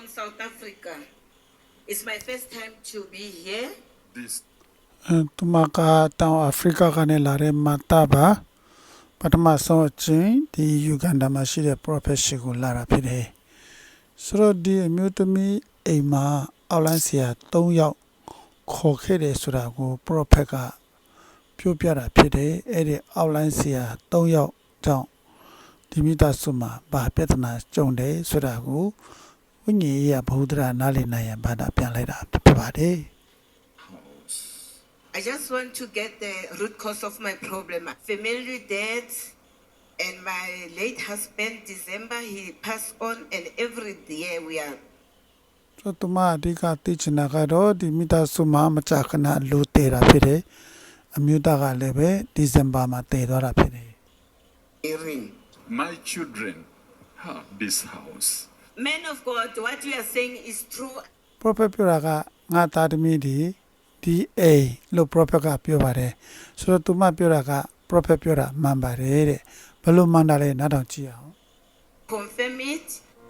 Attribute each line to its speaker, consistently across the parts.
Speaker 1: South Africa. It's my first time to be here.
Speaker 2: This
Speaker 3: သူမကတောင်အာဖရိကကနေလာတဲ့မတာပါပထမဆုံးအချင်းဒီယူဂန်ဒါမှာရှိတဲ့ profession ကိုလာတာဖြစ်တယ်ဆိုတော့ဒီအမျိုးသမီးအိမ်မှာအောက်လိုင်းဆရာ3ယောက်ခေါ်ခဲ့တယ်ဆိုတာကို prophet ကပြောပြတာဖြစ်တယ်အဲ့ဒီအောက်လိုင်းဆရာ3ယောက်ကြောင့်ဒီမိသားစုမှာဘာပြဿနာကြုံတယ်ဆိုတာကိုဝိညာဉ်ရေးဘုဒ္ဓရာနားလည်နိုင်ရန်ဘာသာပြန်လိုက်တာဖြစ်ပါတယ်
Speaker 2: house.
Speaker 1: I just want to get the root cause of my problem. Family death, and my late husband, December, he passed on, and every year we are.
Speaker 3: ဆိုတော့မအဓိကသိချင်တာကတော့ဒီမိသားစုမှာမကြာခဏလူတည်တာဖြစ်တယ်အမျိုးသားကလည်းပဲဒီဇင်ဘာမှာတည်သွားတာဖြစ်တယ်
Speaker 1: hearing.
Speaker 2: My children have this house.
Speaker 1: Man of God, what you are saying is true.
Speaker 3: prophet ပြောတာကငါသားသမီးဒီအိမ်လို့ prophet ကပြောပါတယ်ဆိုတော့သူမပြောတာက prophet ပြောတာမှန်ပါတယ်တဲ့ဘယ်လိုမှန်တာလဲနားထောင်ကြည့်အောင်
Speaker 1: Confirm it.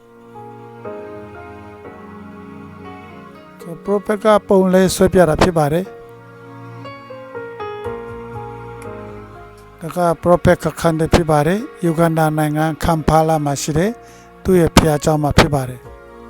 Speaker 3: ဆို prophet ကပုံလဲဆွဲပြတာဖြစ်ပါတယ်ဒါက prophet ကခန္ဓာဖြစ်ပါတယ်ယူဂန်ဒါနိုင်ငံကမ်ဖာလာမှာရှိတဲ့သူ့ရဲ့ဖျားเจ้าမှာဖြစ်ပါတယ်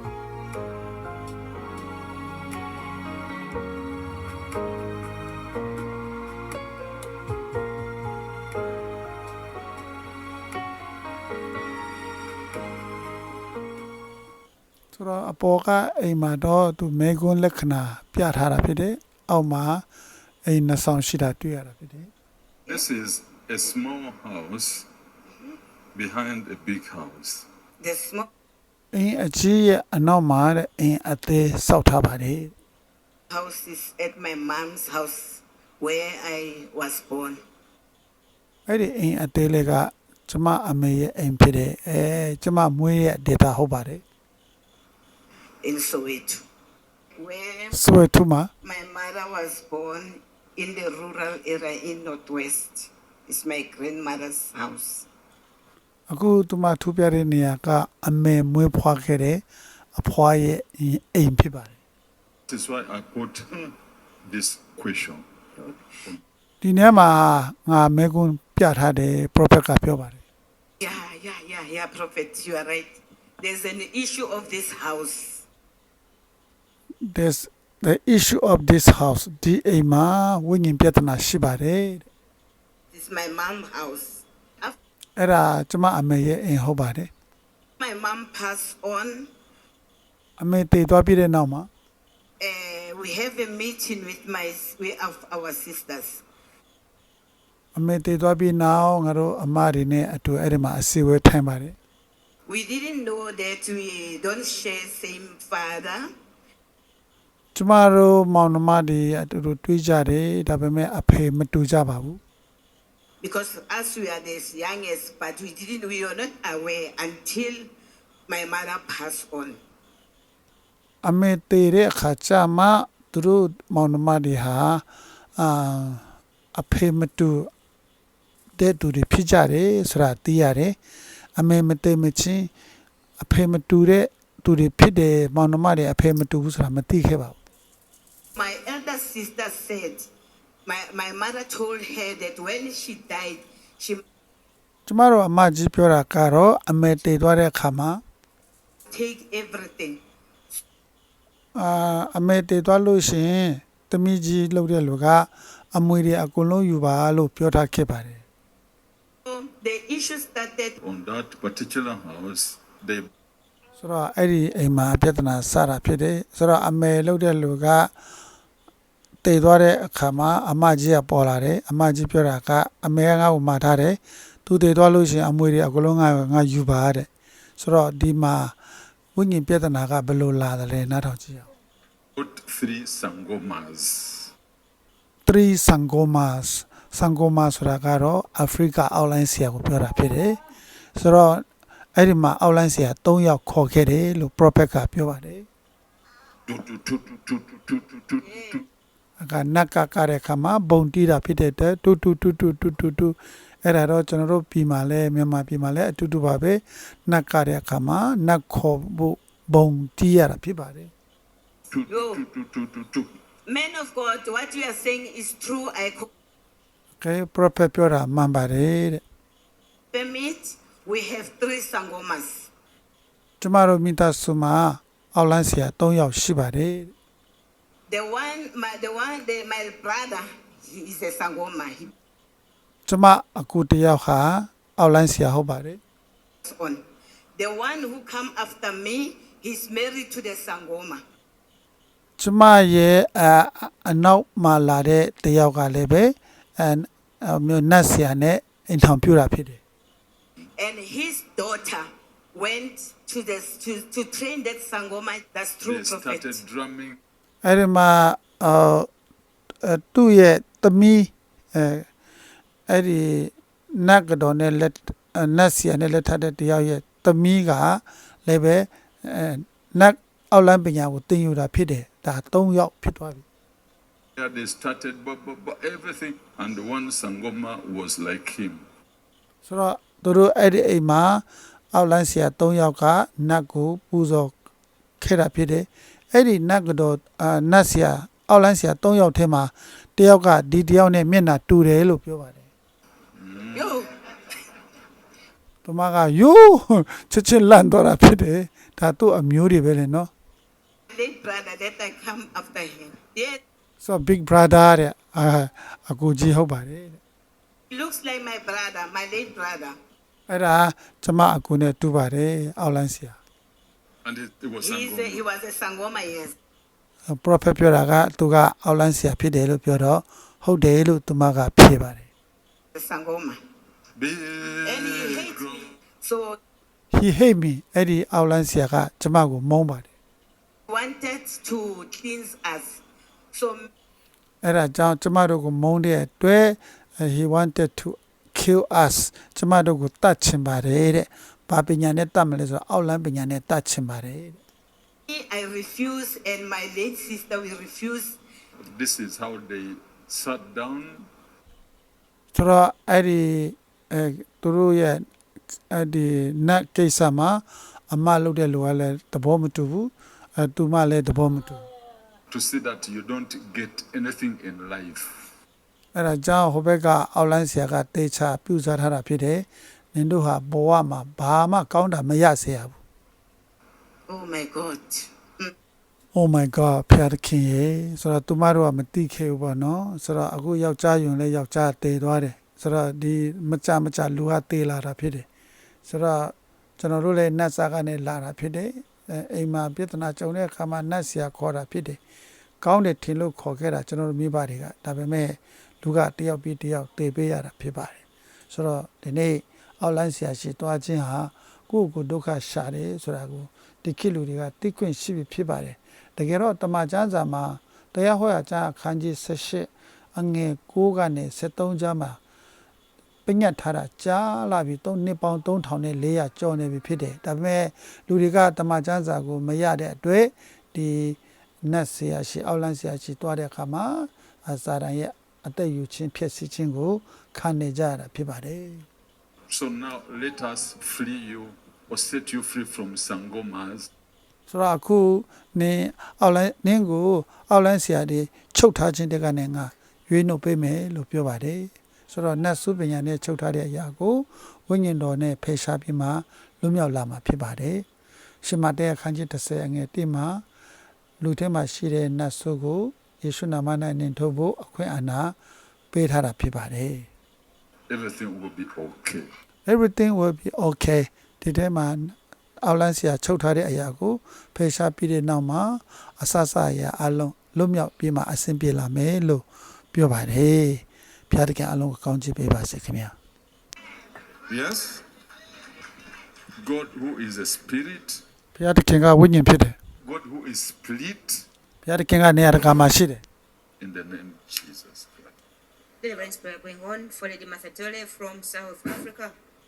Speaker 3: ဆိုတော့အပေါ်ကအိမ်မှာတော့သူမေကွန်းလက္ခဏာပြထားတာဖြစ်တယ်အောက်မှာအိမ်နှစ်ဆောင်ရှိတာတွေ့ရတာဖြစ်တယ်
Speaker 2: This is a small house behind a big house.
Speaker 1: The small
Speaker 3: အိမ်အကြီးရဲ့အနောက်မှာတဲ့အိမ်အသေးစောက်ထားပါတယ်
Speaker 1: house is at my mom's house where I was born.
Speaker 3: အဲ့ဒီအိမ်အသေးလေးကကျမအမေရဲ့အိမ်ဖြစ်တယ်ကျမမွေးရဲ့ဒေတာဟုတ်ပါတယ်
Speaker 1: In Soweto, where
Speaker 3: ဆိုရတူမှာ
Speaker 1: my mother was born in the rural area in Northwest. It's my grandmother's house.
Speaker 3: အခုသူမထူပြတဲ့နေရာကအမေမွေးဖွားခဲ့တဲ့အဖွားရဲ့အိမ်ဖြစ်ပါတယ်
Speaker 2: This is why I put this question.
Speaker 3: ဒီနေရာမှာငါမေကွန်းပြထားတယ် prophet ကပြောပါတယ်
Speaker 1: Yeah, Prophet, you are right. There's an issue of this house.
Speaker 3: there's the issue of this house ဒီအိမ်မှာဝိညာဉ်ပြဿနာရှိပါတယ်တဲ့
Speaker 1: It's my mom's house. After
Speaker 3: အဲ့ဒါကျမအမေရဲ့အိမ်ဟုတ်ပါတယ်
Speaker 1: my mom passed on,
Speaker 3: အမေတည်သွားပြီးတဲ့နောက်မှာ
Speaker 1: we have a meeting with our sisters.
Speaker 3: အမေတည်သွားပြီးနောက်ငါတို့အမတွေနဲ့အတူအဲ့ဒီမှာအစည်းအဝေးထိုင်ပါတယ်
Speaker 1: We didn't know that we don't share same father.
Speaker 3: ကျမတို့မောင်နှမတွေအတူတူတွေ့ကြတယ်ဒါပေမဲ့အဖေမတူကြပါဘူး
Speaker 1: Because as we are the youngest, but we were not aware until my mother passed on.
Speaker 3: အမေတည်တဲ့အခါကျမှသူတို့မောင်နှမတွေဟာအဖေမတူတဲ့သူတွေဖြစ်ကြတယ်ဆိုတာသိရတယ်အမေမတည်မချင်းအဖေမတူတဲ့သူတွေဖြစ်တယ်မောင်နှမတွေအဖေမတူဘူးဆိုတာမသိခဲ့ပါဘူး
Speaker 1: My elder sister said, my mother told her that when she died, she
Speaker 3: ကျမတို့အမကြီးပြောတာကတော့အမေတည်သွားတဲ့အခါမှာ
Speaker 1: take everything.
Speaker 3: အမေတည်သွားလို့ရှိရင်တမီးကြီးလှုပ်တဲ့လူကအမွေတွေအကုန်လုံးယူပါလို့ပြောထားခဲ့ပါတယ်
Speaker 1: So the issue started.
Speaker 2: On that particular house, they
Speaker 3: ဆိုတော့အဲ့ဒီအိမ်မှာပြဿနာစတာဖြစ်တယ်ဆိုတော့အမေလှုပ်တဲ့လူကတည်သွားတဲ့အခါမှာအမကြီးကပေါ်လာတယ်အမကြီးပြောတာကအမေကငါ့ကိုမှာထားတယ်သူတည်သွားလို့ရှိရင်အမွေတွေအကုန်လုံးငါယူပါတဲ့ဆိုတော့ဒီမှာဝိညာဉ်ပြဿနာကဘယ်လိုလာတယ်လဲနားထောင်ကြည့်အောင်
Speaker 2: put 3 sangomas.
Speaker 3: 3 sangomas ဆိုတာကတော့အာဖရိကအောက်လိုင်းဆရာကိုပြောတာဖြစ်တယ်ဆိုတော့အဲ့ဒီမှာအောက်လိုင်းဆရာ3ယောက်ခေါ်ခဲ့တယ်လို့ prophet ကပြောပါတယ် ကနက်ကကတဲ့ခါမှာဘုံတီးတာဖြစ်တဲ့တူအဲ့ဒါတော့ကျွန်တော်တို့ပြည်မှာလဲမြန်မာပြည်မှာလဲအတူတူပါပဲနက်ကတဲ့အခါမှာနက်ခေါ်ဖို့ဘုံတီးရတာဖြစ်ပါတယ်
Speaker 2: Two.
Speaker 1: Man of God, what you are saying is true. I
Speaker 3: okay prophet ပြောတာမှန်ပါတယ်တဲ့
Speaker 1: confirm it. We have 3 sangomas.
Speaker 3: ကျမတို့မိသားစုမှာအောက်လန်းဆရာ3ယောက်ရှိပါတယ်တဲ့
Speaker 1: My brother, he is a sangoma. He
Speaker 3: ကျမအကူတစ်ယောက်ဟာအောက်လန်းဆရာဟုတ်ပါတယ်
Speaker 1: is on. The one who come after me, he's married to the sangoma.
Speaker 3: ကျမရဲ့အနောက်မှာလာတဲ့တစ်ယောက်ကလည်းပဲမျိုးနတ်ဆရာနဲ့အိမ်ထောင်ပြတာဖြစ်တယ်
Speaker 1: And his daughter went to train that sangoma. That's true,
Speaker 2: They
Speaker 1: prophet.
Speaker 2: started drumming.
Speaker 3: အဲ့ဒီမှာသူ့ရဲ့သမီးအဲ့ဒီနတ်ကတော်နဲ့လက်နတ်ဆရာနဲ့လက်ထပ်တဲ့တယောက်ရဲ့သမီးကလည်းပဲနတ်အောက်လန်းပညာကိုသင်ယူတာဖြစ်တယ်ဒါ3ယောက်ဖြစ်သွားပြီ
Speaker 2: Yeah, they started everything, and one sangoma was like him.
Speaker 3: ဆိုတော့သူတို့အဲ့ဒီအိမ်မှာအောက်လန်းဆရာ3ယောက်ကနတ်ကိုပူဇော်ခဲ့တာဖြစ်တယ်အဲ့ဒီနတ်ကတော်နတ်ဆရာအောက်လန်းဆရာ3ယောက်ထဲမှာတယောက်ကဒီတယောက်နဲ့မျက်နှာတူတယ်လို့ပြောပါတယ်
Speaker 1: Yo,
Speaker 3: သူမကယိုးချက်ချင်းလန့်တော့တာဖြစ်တယ်ဒါသူ့အမျိုးတွေပဲလေနော်
Speaker 1: late brother that I come after him. Yeah,
Speaker 3: so big brother တဲ့အကူကြီးဟုတ်ပါတယ်တဲ့
Speaker 1: he looks like my brother, my late brother.
Speaker 3: အဲ့ဒါကျမအကူနဲ့တူပါတယ်အောက်လန်းဆရာ
Speaker 2: And it was
Speaker 1: He
Speaker 2: sangoma.
Speaker 1: was a sangoma, yes.
Speaker 3: prophet ပြောတာကသူကအောက်လန်းဆရာဖြစ်တယ်လို့ပြောတော့ဟုတ်တယ်လို့သူမကဖြေပါတယ်
Speaker 1: The sangoma.
Speaker 2: Big
Speaker 1: And he hates
Speaker 2: drum.
Speaker 1: me. So
Speaker 3: he hate me အဲ့ဒီအောက်လန်းဆရာကကျမကိုမုန်းပါတယ်
Speaker 1: he wanted to cleanse us. So
Speaker 3: အဲ့ဒါကြောင့်ကျမတို့ကိုမုန်းတဲ့အတွက် he wanted to kill us ကျမတို့ကိုတတ်ချင်ပါတယ်တဲ့ဘာပညာနဲ့တတ်မလဲဆိုတော့အောက်လန်းပညာနဲ့တတ်ချင်ပါတယ်တဲ့
Speaker 1: I refuse, and my late sister will refuse.
Speaker 2: This is how they sat down.
Speaker 3: ဆိုတော့အဲ့ဒီသူတို့ရဲ့အဲ့ဒီနတ်ကိစ္စမှာအမလုပ်တဲ့လူကလည်းသဘောမတူဘူးသူမလည်းသဘောမတူ
Speaker 2: To see that you don't get anything in life.
Speaker 3: အဲ့ဒါကြောင့်ဟိုဘက်ကအောက်လိုင်းဆရာကတေချာပြုစားထားတာဖြစ်တယ်နင်တို့ဟာဘဝမှာဘာမှကောင်းတာမရစေရဘူး
Speaker 1: Oh my God.
Speaker 3: Oh my god ဖျားသခင်ရေဆိုတော့သူမတို့ကမတိခဲ့ဘူးပေါ့နော်ဆိုတော့အခုယောက်ျားယွန်လဲယောက်ျားတည်သွားတယ်ဆိုတော့ဒီမကြလူကတည်လာတာဖြစ်တယ်ဆိုတော့ကျွန်တော်တို့လည်းနတ်စာကနေလာတာဖြစ်တယ်အိမ်မှာပြဿနာကြုံတဲ့အခါမှာနတ်ဆရာခေါ်တာဖြစ်တယ်ကောင်းတယ်ထင်လို့ခေါ်ခဲ့တာကျွန်တော်တို့မိဘတွေကဒါပေမဲ့လူကတယောက်ပြီးတယောက်တည်ပေးရတာဖြစ်ပါတယ်ဆိုတော့ဒီနေ့အောက်လိုင်းဆရာရှိသွားခြင်းဟာကိုယ့်ကိုယ်ဒုက္ခရှာတယ်ဆိုတာကိုဒီခေတ်လူတွေကသိခွင့်ရှိပြီဖြစ်ပါတယ်တကယ်တော့တမန်ကျမ်းစာမှာတရားဟောရာကျမ်းအခန်းကြီး18အငယ်9ကနေ73ကျမ်းမှာပညတ်ထားတာကြားလာပြီ3နှစ်ပေါင်း3400ကျော်နေပြီဖြစ်တယ်ဒါပေမဲ့လူတွေကတမန်ကျမ်းစာကိုမရတဲ့အတွက်ဒီနတ်ဆရာရှိအောက်လန်းဆရာရှိတွားတဲ့အခါမှာစာရန်ရဲ့အသက်ယူခြင်းဖြစ်စီခြင်းကိုခံနေကြရတာဖြစ်ပါတယ်
Speaker 2: So now let us free you or set you free from sangomas.
Speaker 3: ဆိုတော့အခုနင်းအောက်လိုင်းနင်းကိုအောက်လိုင်းဆရာတွေချုပ်ထားခြင်းတဲ့ကနေငါရွေးနှုတ်ပေးမယ်လို့ပြောပါတယ်ဆိုတော့နတ်စုပညာနဲ့ချုပ်ထားတဲ့အရာကိုဝိညာဉ်တော်နဲ့ဖယ်ရှားပြီးမှလွတ်မြောက်လာမှာဖြစ်ပါတယ်ရှင်မတဲအခန်းကြီး30အငယ်1မှာလူထဲမှာရှိတဲ့နတ်စုကိုယေရှုနာမ၌နင်ထုတ်ဖို့အခွင့်အာဏာပေးထားတာဖြစ်ပါတယ်
Speaker 2: Everything will be okay.
Speaker 3: everything will be okay ဒီထဲမှာအောက်လန်းဆရာချုပ်ထားတဲ့အရာကိုဖယ်ရှားပြီးတဲ့နောက်မှာအဆအရာအလုံးလွတ်မြောက်ပြီးမှအဆင်ပြေလာမယ်လို့ပြောပါတယ်ဖျားတခင်အလုံးကိုကောင်းချီးပေးပါစေခင်ဗျာ
Speaker 2: Yes? God who is a spirit,
Speaker 3: ဖျားတခင်ကဝိညာဉ်ဖြစ်တယ်
Speaker 2: God who is split,
Speaker 3: ဖျားတခင်ကနေရာတကာမှာရှိတယ်
Speaker 2: in the name of Jesus Christ.
Speaker 4: Deliverance prayer going on for Lady Masatole from South Africa.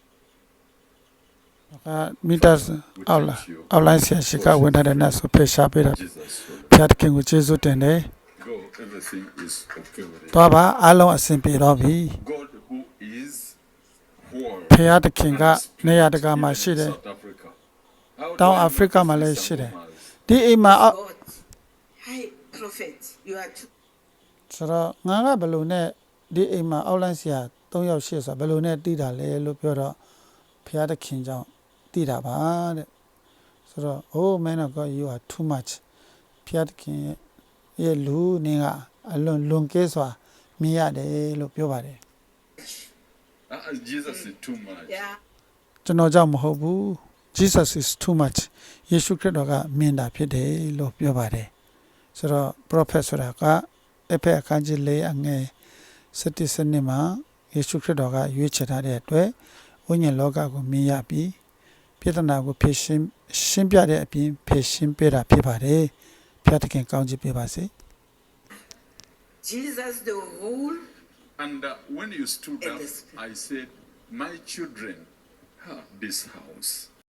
Speaker 3: မိသားစုအောက်လိုင်းဆရာရှိကဝင်ထားတဲ့နတ်ဆိုဖယ်ရှားပေးတာ
Speaker 2: Jesus.
Speaker 3: ဖျားတခင်ကိုကျေးဇူးတင်တယ်
Speaker 2: Go, everything is okay with it.
Speaker 3: သွားပါအလုံးအဆင်ပြေတော့ပြီ
Speaker 2: God who is whole.
Speaker 3: ဖျားတခင်ကနေရာတကာမှာရှိတယ်
Speaker 2: South Africa. How do
Speaker 3: တောင်
Speaker 2: I
Speaker 3: အာ
Speaker 2: know
Speaker 3: ဖရိကမှာလည်း
Speaker 2: this is
Speaker 3: ရှိတယ်
Speaker 2: Samomas?
Speaker 3: ဒီအိမ်မှာအောက်
Speaker 1: God, hi, prophet, you are too
Speaker 3: ဆိုတော့ငါကဘယ်လိုနဲ့ဒီအိမ်မှာအောက်လန့်ဆရာ3ယောက်ရှိဆိုတော့ဘယ်လိုနဲ့တည်တာလဲလို့ပြောတော့ဖျားသခင်ကြောင့်တည်တာပါတဲ့ဆိုတော့ oh man of God you are too much ဖျားသခင်ရဲ့လူနေကအလွန်ကဲစွာမြင်ရတယ်လို့ပြောပါတယ်
Speaker 2: Jesus is too much.
Speaker 1: yeah.
Speaker 3: ကျွန်တော်ကြောင့်မဟုတ်ဘူး Jesus is too much ယေရှုခရစ်တော်ကမြင်တာဖြစ်တယ်လို့ပြောပါတယ်ဆိုတော့ prophet ဆိုတာကအဖက်အခန်းကြီး4အငယ်7စနစ်မှာယေရှုခရစ်တော်ကရွေးချယ်ထားတဲ့အတွက်ဝိညာဉ်လောကကိုမြင်ရပြီးပြဿနာကိုဖြေရှင်းပြတဲ့အပြင်ဖြေရှင်းပေးတာဖြစ်ပါတယ်ဖျားသခင်ကောင်းချီးပေးပါစေ
Speaker 1: Jesus, the rule
Speaker 2: And when you stood
Speaker 1: And
Speaker 2: up,
Speaker 1: the spirit.
Speaker 2: I said, my children have this house.